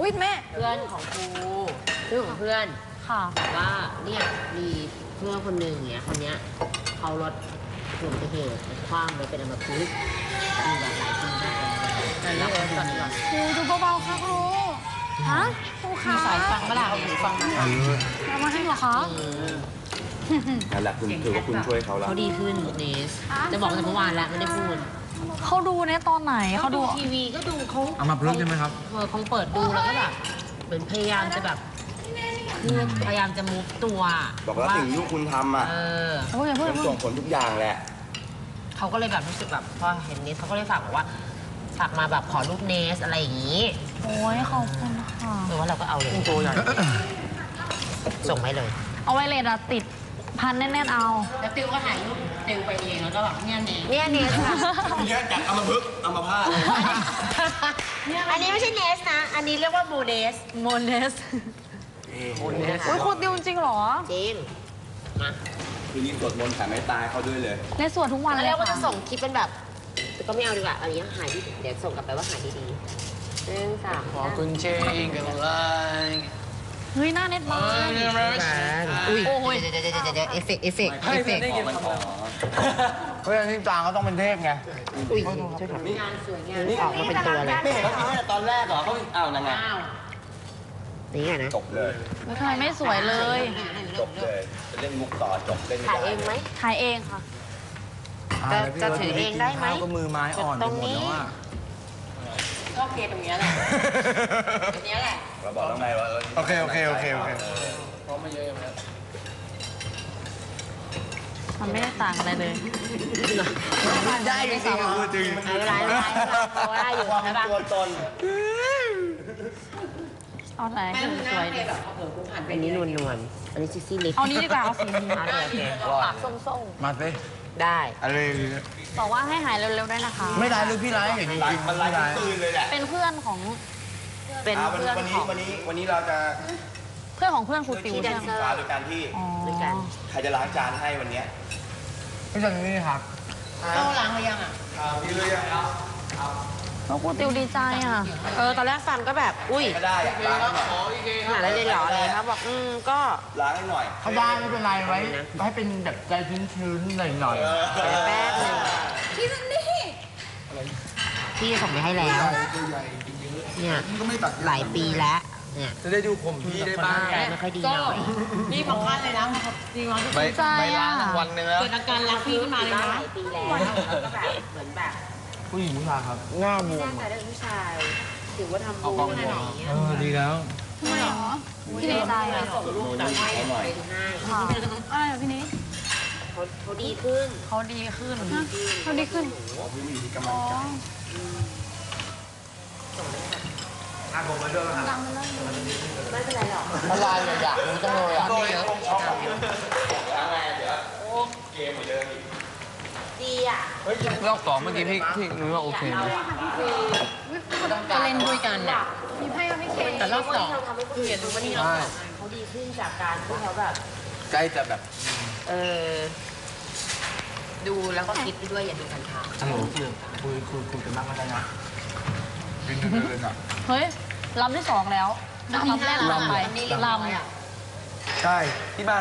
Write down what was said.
อุ้ยแม่เพื่อนของครูเพื่อนของเพื่อนค่ะว่าเนี่ยมีเพื่อนคนหนึ่งเนี้ยคนเนี้ยเขารถอุบัติเหตุคว่ำแล้วเป็นอัมพฤกษ์มีแบบหลายคนมากเลยแล้วคนนี้ครูดูเบาๆค่ะครูฮะครูคะสายฟังเมื่อไหร่หูฟังมาเอามาให้เหรอคะนั่นแหละคุณถือว่าคุณช่วยเขาแล้วเขาดีขึ้นเนสจะบอกตั้งแต่เมื่อวานแล้วไม่ได้พูดเขาดูเนี่ยตอนไหนเขาดูทีวีก็ดูเขาเอามาพลึกใช่ไหมครับคงเปิดดูแล้วก็แบบเหมือนพยายามจะแบบคือพยายามจะมุฟตัวบอกว่าสิ่งที่คุณทำอ่ะโอ้ยอย่าเพิ่งมันส่งผลทุกอย่างแหละเขาก็เลยแบบรู้สึกแบบพอเห็นเนสเขาก็เลยฝากบอกว่าฝากมาแบบขอรูปเนสอะไรอย่างนี้โอ้ยขอบคุณค่ะหรือว่าเราก็เอาเลยตัวใหญ่ส่งไปเลยเอาไว้เลยอะติดพันแน่นๆเอาแล้วติวก็ถ่ายรูปติวไปเองแล้วก็แบบเนี่ยเนสเนี่ยเนสค่ะแยกจากอัมพฤกษ์อัมพาตอันนี้ไม่ใช่เนสนะอันนี้เรียกว่าโมเนสโมเนสโมเนสอุ้ยครูติวจริงเหรอจริงมาคืนนี้สวดมนต์แผ่เมตตาเขาด้วยเลยในสวดทุกวันเลยเรียกว่าค่ะจะส่งคลิปเป็นแบบแต่ก็ไม่เอาดีกว่าอันนี้หายดีเดี๋ยวส่งกลับไปว่าหายดีๆ1 3 ขอคุณเชงกันเลยเฮ้ยหน้าเน็ตมากอุ้ยโอ้ยเดี๋ยวเอฟเฟกต์เฮ้ยที่จางก็ต้องเป็นเทพไงอุ้ยช่วยทำงานสวยงานออกมาเป็นตัวเลยไม่เห็นเขาทำให้ตอนแรกเหรอเขาอ้าวนั่นไงนี่ไงนะจบเลยทำไมไม่สวยเลยจบเลยจะเล่นมุกต่อจบเล่นไม่ถ่ายได้เองไหมถ่ายเองค่ะจะถือเองได้ไหมก็มือไม้อ่อนไปหมดแล้วอ่ะก็โอเคตรงนี้แหละตรงนี้แหละเราบอกแล้วไงว่าโอเคพร้อมมาเยอะไหมมันไม่ได้ต่างอะไรเลยได้จริงๆคือจริงไม่เป็นไรเราได้อยู่ใช่ปะตัวตนเอาไหนสวยดิอันนี้นวลๆอันนี้ซิซี่ลิปเอานี้ดีกว่าเอาสีนี้โอเคปากส้มๆมาสิๆได้อะไรบอกว่าให้หายเร็วๆด้วยนะคะไม่ได้เลยพี่ไลฟ์อย่างจริงมันไล่ตื่นเลยแหละเป็นเพื่อนของเป็นเพื่อนของวันนี้เราจะเพื่อนของเพื่อนครูติวใช่ไหมโดยการที่ใครจะล้างจานให้วันนี้พี่จันนี่ครับก็ล้างหรือยังอ่ะพี่เลยยังครับครูติวดีใจอ่ะตอนแรกฟังก็แบบอุ้ยไม่ได้อะล้างหน่อยหาอะไรเลยเหรออะไรครับบอกก็ล้างให้หน่อยเขาได้ไม่เป็นไรไว้ให้เป็นแบบใจชื้นๆหน่อยแป๊บนึงพี่ซันนี่พี่ส่งไปให้แล้วเนี่ยหลายปีแล้วเนี่ยจะได้ดูผมพี่ได้บ้างไม่ค่อยดีหน่อยพี่ของพันเลยนะจริงๆไม่ล้างวันนึงแล้วเกิดอาการรักพี่ขึ้นมาเลยนะหลายปีแล้วก็แบบเหมือนแบบผู้หญิงผู้ชายครับหน้าบวมแต่เรื่องผู้ชายถือว่าทำบุญขนาดนี้ดีแล้วทำไมหรอพี่นิดได้ส่งลูกจากให้ไปให้อะไรพี่นิดเขาดีขึ้นเขาดีขึ้นพี่มีกำลังใจผมมาด้วยครับไม่เป็นไรหรอกอะไรอยากรู้จังเลยอ่ะอะไรเดี๋ยวเกมเหมือนเดิมอีกดีอ่ะรอบ2เมื่อกี้พี่รู้ว่าโอเคนะก็เล่นด้วยกันเนี่ยมีไพ่ไม่เคยแต่รอบ2เราทำให้คนอื่นดูว่านี่เราเขาดีขึ้นจากการที่เขาแบบใกล้จะแบบดูแล้วก็คิดไปด้วยอย่าดูกันค่ะคุยกันบ้างแล้วนะเฮ้ยลำที่2แล้วลำแรกลำไปลำใช่ที่บ้าน